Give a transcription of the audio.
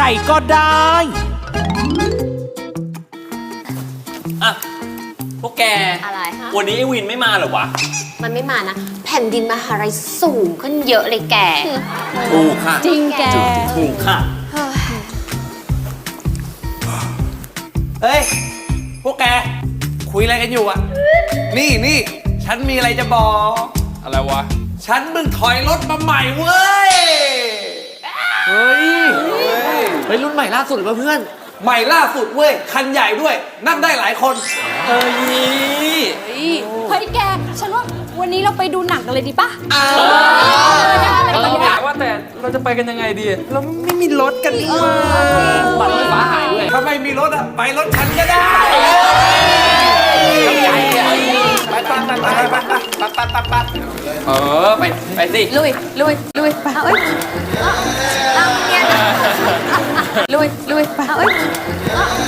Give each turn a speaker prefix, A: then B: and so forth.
A: ก็ได้
B: อะพวกแก
C: อะไรฮะ
B: วันนี้ไอ้วินไม่มาเหรอวะ
C: มันไม่มานะ แผ่นดินมหาลัยสูงขึ้นเยอะเลยแก
B: ถูกค่ะ
D: จริงแก
B: ถูกค่ะ
E: เฮ้ย พวกแก คุยอะไรกันอยู่อะนี่ ฉันมีอะไรจะบอก
F: อะไรวะ
E: ฉันเพิ่งถอยรถมาใหม่เว้ย
A: เฮ้ยรุ่นใหม่ล่าสุดหรือเปล่าเพื่อน
E: ใหม่ล่าสุดเว้ย คันใหญ่ด้วย นั่งได้หลายคน
B: เฮ้ย
D: เฮ้ยแก ฉันว่าวันนี้เราไปดูหนังกันเลยดีปะ
F: ว่าแต่เราจะไปกันยังไงดี เราไม่มีรถกันนี่หว่า
B: บัตรไฟฟ้าหายด้วย
E: ถ้าไม่มีรถอะไปรถฉันก็ได้
B: ใหญ่อะ
E: ไป
B: เออ ไปสิ
D: ลุยไปเอาเอ้ย
C: เอาเนี่ยนะ
D: ลุยไปเอาเอ้ย